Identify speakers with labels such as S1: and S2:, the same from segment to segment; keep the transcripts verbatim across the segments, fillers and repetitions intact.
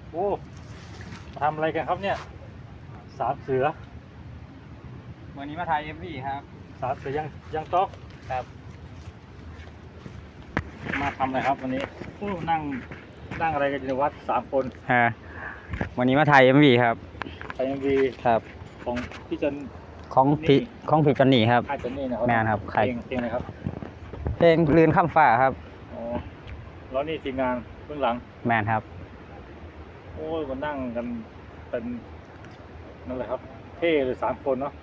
S1: โอ้ทำอะไรกันครับเนี่ยสามเสือ
S2: วันนี้มาถ่ายเอ็มวีครับ
S1: สามเสือยังยังต๊อก
S2: ครับ
S1: มาทำอะไรครับวันนี้โอ้นั่งนั่งอะไรกันอยู่ในวัดสามคน
S2: ฮะวันนี้มาถ่ายเอ็มวีครับ
S1: ถ่ายเอ็มวี
S2: ครับ
S1: ของพี่จัน
S2: ของพี่ของพี่จันนี่ครับ
S1: ค่ายจันนี่นะครับ
S2: แม่นครับ
S1: เพลงเพลงอะไรครับ
S2: เพลงลื่นข้ามฟ้าครับ
S1: อ๋อแล้วนี่ทีมงานเบื้องหลัง
S2: แม่นครับ
S1: โอ้ยมานั่งกันเป็นนั่นแหละครับเท่เลยสามคนเนาะ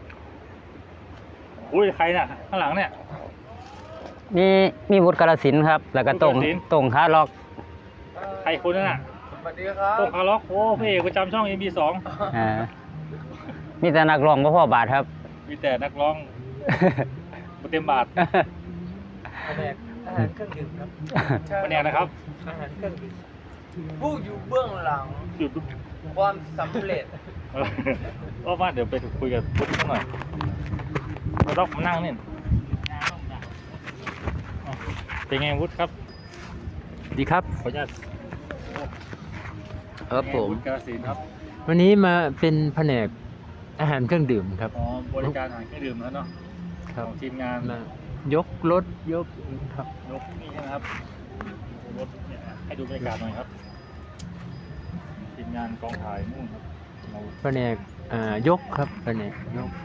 S1: อุ้ยใครเนี่ยข้างหลังเนี่ย
S2: มีมีวุฒิกาฬสินธุ์ครับแล้วก็ตรงตรงคาล็อก
S1: ใครคนนั้นน่ะ
S3: สวัสดีครับ
S1: ตรงคาล็อกโอ้พี่เอกประจำช่อง เอ็ม บี สอง
S2: อ่ามีแต่นักร้องบ่พอบาทครับ
S1: มีแต่นักร้องบ่เต็มบาท
S3: แผนกอาหารเครื่องดื่มครับ
S1: แผนกนะครับ
S3: อาหารเครื่องดื่มผู้อยู่เบื้องหลัง
S1: อยู่
S3: ความสำเร็จ
S1: ก็ว่าเดี๋ยวไปคุยกับพุทธสักหน่อยมาต้องมานั่งนี่เป็นไงวุฒิครับ
S4: ดีครับ
S1: ขออนุญาต
S4: ครับผม
S1: กาฬสินธุ์ครับ
S4: วันนี้มาเป็นแผนกอาหารเครื่องดื่มครับ
S1: อ๋อบริการอาหารเครื่องดื่มแล้วเนาะของทีมงาน
S4: ยกรถยกครับ
S1: ยกนี่ใช่ไหมครับรถเนี่ยให้ดูบรรยากาศหน่อยครับทีมงานกองถ่ายนู่นครับ
S4: แผนกอ่ายกครับแผนกยก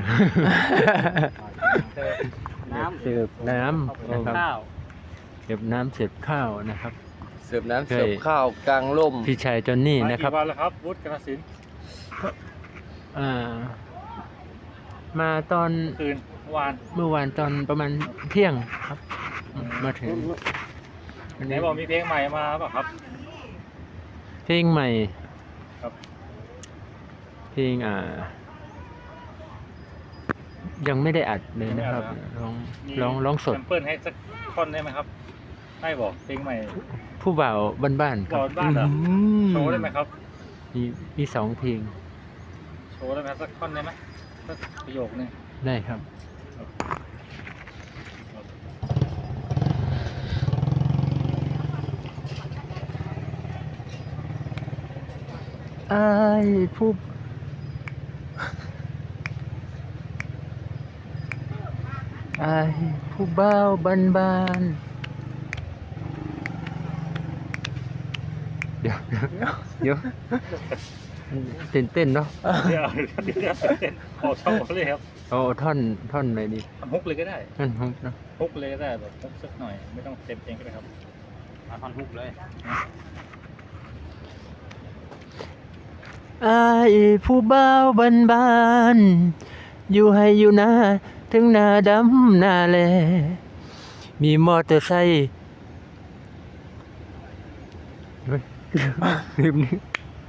S2: น้ำ
S4: เสิร์ฟน้ำนะครับเสิร์ฟน้ำเสิร์ฟข้าวนะครับ
S3: เสิร์ฟน้ำเสิร์ฟข้าวกลางร่ม
S4: พี่ชายจอนนี่นะครับ
S1: มากี่วันแล้วครับวุฒิกาฬสินธุ์
S4: อ่ามาตอน
S1: คืนเมื่อวาน
S4: เมื่อวานตอนประมาณเที่ยงครับมาถึง
S1: ไหนบอกมีเพลงใหม่มาเปล่ะครับ
S4: เพลงใหม่
S1: ครับ
S4: เพลงอ่ายังไม่ได้อัดเลยนะครับร้องร้องร้องสด
S1: เปิดให้สักท่อนได้ไหมครับให้บอกเพลงใหม่
S4: ผู้บ่าวบ้านๆครับ
S1: บ้านเหรอโชว์ได้ไหมครับ
S4: มีมีสองเพลง
S1: โชว์ได้ไหมสักท่อนได้ไหมสักประโยคนึง
S4: ได้ครับไอ้ผู้ไอ้ผู้บ่าวบ้านบ้านเดี๋ยวเดี๋ยวเดี๋ยวเต้นเต้นเนาะ
S1: เดี๋ยวเดี๋ยวเต้นขอช่องเลยครับ
S4: เอาท่อนท่อนไหนดี
S1: ฮุกเลยก็ได้
S4: ท่อนฮุกเนาะ
S1: ฮุกเลยก็ได้แบบฮุกสักหน่อยไม่ต้องเต็มเพลงก็ได้ครับเอาท่อนฮุกเลย
S4: ไอ้ผู้บ่าวบ้านบ้านอยู่ให้อยู่นาถึงหน้าดำหน้าแลมีมอเตอร์ไซค์ลืมนึก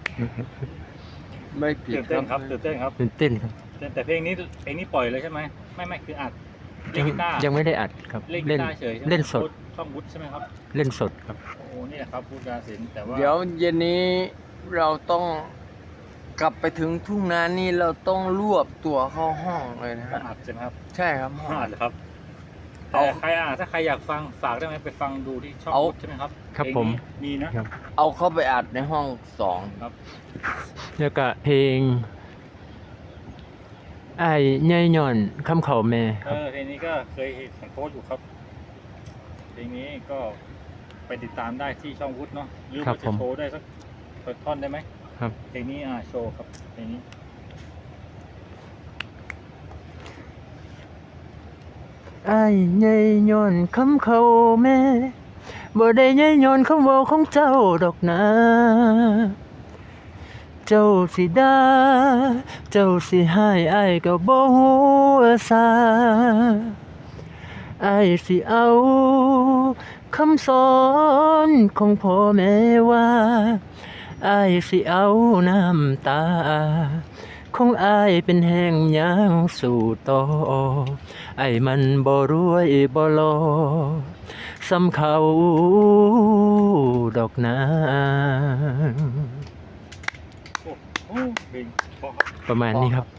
S3: ไม่ผิด
S1: ตื่นเต้นครับตื่นเต้นครับ
S4: ตื่นเต้นครับ
S1: แต่เพลงนี้เพลงนี้ปล่อยเลยใช่ไหมไม่ไม่คืออัดเล่นกีตาร์
S4: ยังไม่ได้อัดครับ
S1: เล่นกีตาร์เฉย
S4: เล่นสด
S1: ช่องวุฒิใช่ไหมครับ
S4: เล่นสดครับ
S1: โอ้นี่แหละครับวุฒิกาฬสินธุ์แต่ว่า
S3: เดี๋ยวเย็นนี้เราต้องกลับไปถึงทุ่งนานี่เราต้องรวบตัวเข้าห้องเลยนะฮะ
S1: อัดใช่ไหมครับ
S3: ใช่ครับ
S1: ห้องอัดครับเอาใครอ่ะถ้าใครอยากฟังฝากได้ไหมไปฟังดูที่ช่องวุฒิใช่ไหมครับ
S4: ครับผม
S1: มีนะ
S3: เอาเข้าไปอัดในห้องสอง
S1: ครับ
S4: แล้วก็เพลงไอ้ใหญ่ย่อนคำเขาแม่
S1: เออเพลงนี้ก็เคยเห็นโพสต์อยู่ครับเพลงนี้ก็ไปติดตามได้ที่ช่องวุฒิเนาะหรือว่าจะโชว์ได้สักท่อนได้ไหม
S4: ครับ
S1: เพลงนี้อ่าโชว์ครับเพลงนี้
S4: ไอ้ใหญ่ย้อนคำเขาแม่บ่ได้ใหญ่ย้อนคำเว้าของเจ้าดอกนะเจ้าสิด่าเจ้าสิให้อ้ายก็บ่ฮู้ซาอ้ายสิเอาคำสอนของพ่อแม่ว่าอ้ายสิเอาน้ำตาของอ้ายเป็นแห่งยางสู่ต่อไอ้มันบ่รวยบ่หล่อสำเขาดอกนาประมาณนี้ครับ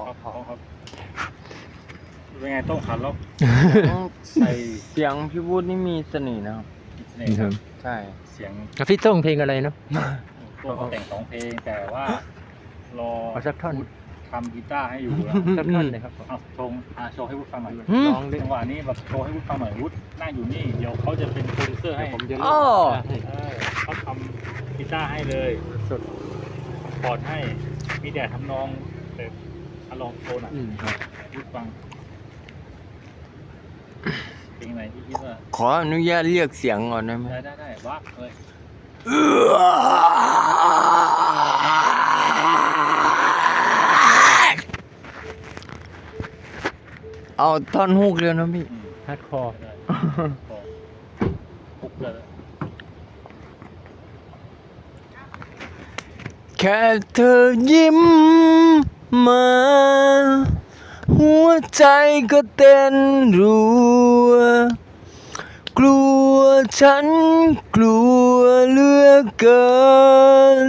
S1: เป็นไงต้องขันล็อก
S3: ใส่เสียงพี่วุฒินี่มีเสน่ห์นะครับ
S1: เสน่ห์
S3: ใช่
S4: พี่ต้องเพลงอะไรเนาะ
S1: โตัวเขาแต่งสองเพลงแต่ว่ารอ
S4: เอาสักท่อน
S1: ทำกีตาร์ให้อยู่นะ
S4: สักท่อนเลยครับผม
S1: เอาโชว์อ่ะโชว์ให้วุฒิฟังหน่อย
S4: หืม
S1: ลองดิจังหวะนี้แบบโชว์ให้วุฒิฟังหน่อยวุฒินั่งอยู่นี่เดี๋ยวเขาจะเป็นโปรดิวเซอร์ให้
S4: ผมจะ
S3: อ้อ
S4: ให้
S1: เออเขาทำกีตาร์ให้เลยสดคอร์ดให้มีแต่ทำนองแบบอ่ะลองโชว์หน่อย
S4: อืมครับ
S1: วุฒิฟังเพลงไหนที่คิดว่า
S3: ขออนุญาตเรียกเสียงก่อนได้ไหม
S1: ได้ได้ได้วักเลย
S3: เอาท่อนฮุกเลยนะพี่
S1: อืม
S4: ฮาร์ดคอร์
S1: ได้พอปุ๊บเลย
S3: แค่เธอยิ้มมา หัวใจก็เต้นรัว กลัวฉันกลัวเหลือเกิน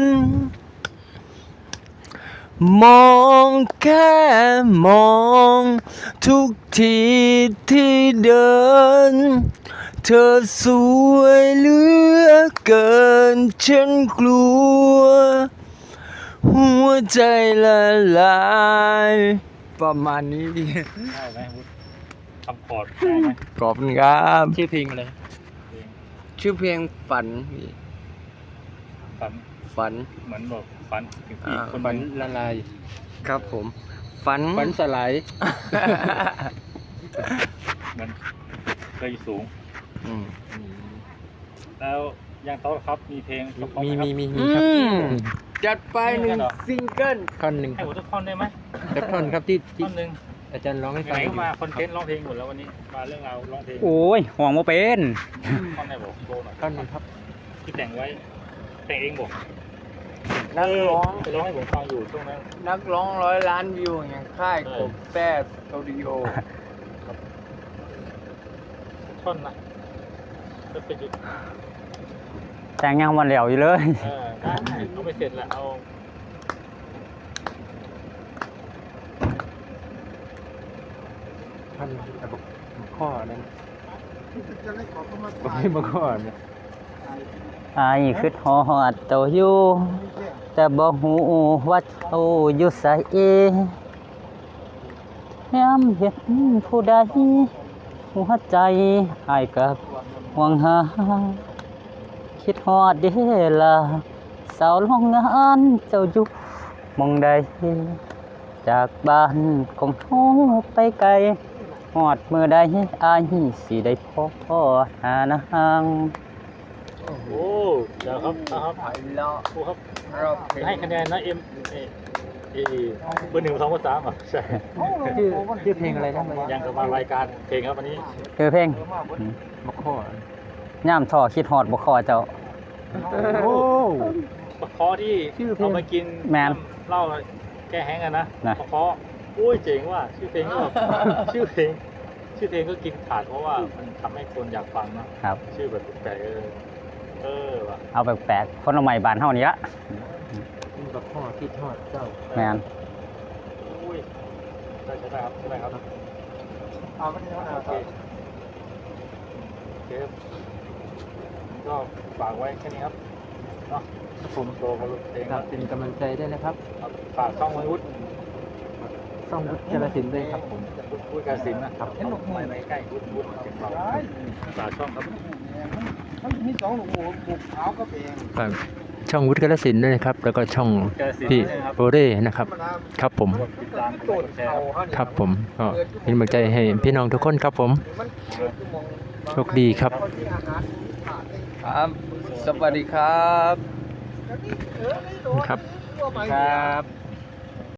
S3: มองแค่มองทุกทีที่เดิน เธอสวยเหลือเกินฉันกลัว หัวใจละลายประมาณนี้พี่
S1: ได้ไหมวุฒิทำคอร์ดได้ไหม
S3: ขอบคุณครับ
S4: ชื่อเพลงอะไร
S1: เพลง
S3: ชื่อเพลงฝันพี่
S1: ฝัน
S3: ฝัน
S1: เหมือนแบบฝันถึงผู้หญิง
S3: อ่า
S1: คน
S4: ฝัน
S1: หนึ่ง
S4: ละลาย
S3: ครับผม ฝัน
S4: ฝันสลาย
S1: เหมือนเคยอยู่สูง
S3: อืม
S1: แล้วยังโต๊ะครับมีเพลงประกอบ
S4: มี
S1: ไหครับ
S4: มีมีมี
S3: อื
S4: ครับ
S3: มจัดไปหนึ่งซิงเกิล
S4: ท่อนหนึ่งค
S1: ให้
S4: รับ
S1: หัวทุกท่อนได้ไหม
S4: สักท่อนครับที่ที่
S1: ท่อนหนึ่ง
S4: อาจารย์ร้องให้
S1: ไห
S4: ฟัง
S1: น
S4: อยู่
S1: ๆก็มาคอนเทนต์ร้องเพลงหมดแล้ววันนี้มาเรื่องราวร้องเพลง
S2: โอ้ยห่วงบ่เป็น
S1: ท่อนไหนบอกโชว์หน่อย
S4: ท่อนหนึงครับ
S1: ที่แต่งไว้แต่งเองบอก
S3: นักร้อง
S1: ไปร้องให้ผมฟังอยู่ช่วงนั้น
S3: นักร้องร้อยล้านวิวอย่างค่าย
S1: ใช่
S3: กบแต้สตูดิโอ
S1: ท่อนนะก็เป็นจุด
S2: แต่งยังวันเหลวอยู่เลย
S1: เออได้เอาไปเสร็จแล้วเอา
S4: ท่อนแต่บอกข้อนั้นบอกให้มาข้อเนี่ย
S2: อายคือฮอดเจ้าอยู่ แต่บ่ฮู้ว่าเจ้าอยู่ไสยามเห็นผู้ใดหัวใจอายก็ห่วงหา คิดฮอดเด้ล่ะสาวโรงงานเจ้าอยู่หม้องใด จากบ้านของเฮาไปไกลฮอดมื้อใดอายสิได้พบพ่อหานาง
S1: โอ้เดี๋ยวครับนะครับ
S3: ไอ้เลาะ
S1: ครูครับ
S3: รอบเพลง
S1: ให้คะแนนนะเอ็มเอเอเบอร์หนึ่งสองเบอร์สามอ่ะใช่
S4: ชื่อชื่อเพลงอะไรนะ
S1: ยังกับมารายการเพลงครับวันนี้
S2: คือเพลง
S4: มาข้อย่
S2: ามท่อคิดฮอดบ่คอเจ้า
S4: โอ้
S1: ปะเคอที่
S4: ชื่อเพลง
S1: เอามากิน
S2: แมน
S1: เหล้าแก้แห้งกันนะ
S2: นะ
S1: ปะเคออุ้ยเจ๋งว่ะชื่อเพลงก็แบบ ชื่อเพลง ชื่อเพลงก็กินขาดเพราะว่ามันทำให้คนอยากฟังนะครับ ชื่อแบบแปลกๆเออเออว่ะ
S2: เอาแปลกๆคนละใหม่บ้านเฮานี่ละ
S4: มาข้อที่ทอดเจ้า
S2: แม่น
S1: อุ้ยได้ใช่ได้ครับใช่ได้ครับ
S3: เอาไม่ได้
S1: โอเคโอเคครับก็ฝากไว้แค่นี้ครับเนาะผมโชว์กับเพลง
S4: ค
S1: ค
S4: รั
S1: รั
S4: บบ เป็นกำลังใจด้วยนะครับ
S1: ครับฝากช่องวัยวุฒิ
S4: ช่องวุฒิกาฬสินธุ์ด้วยครับผม
S1: วุฒิการศิลป์นะครับเห็นหนุกไม่ไม่ใกล้วุฒิวุฒิเก็บเราฝากช่องครับ
S3: มันมีสองลูกหูบุกขาวก็เป็น
S4: ฝากช่องวุฒิกาฬสินธุ์ด้วยนะครับ แล้วก็ช่อง
S1: การศิลป์
S4: พี่
S1: นะครับ
S4: โบเร่นะครับ ครับผม
S1: ติดตามกดแชร์ครับ
S4: ครับผมก็เป็นกำลังใจให้พี่น้องทุกคนครับผม โชคดีครับ
S3: ครับ สวัสดีครับ
S4: ครับ
S1: ครับ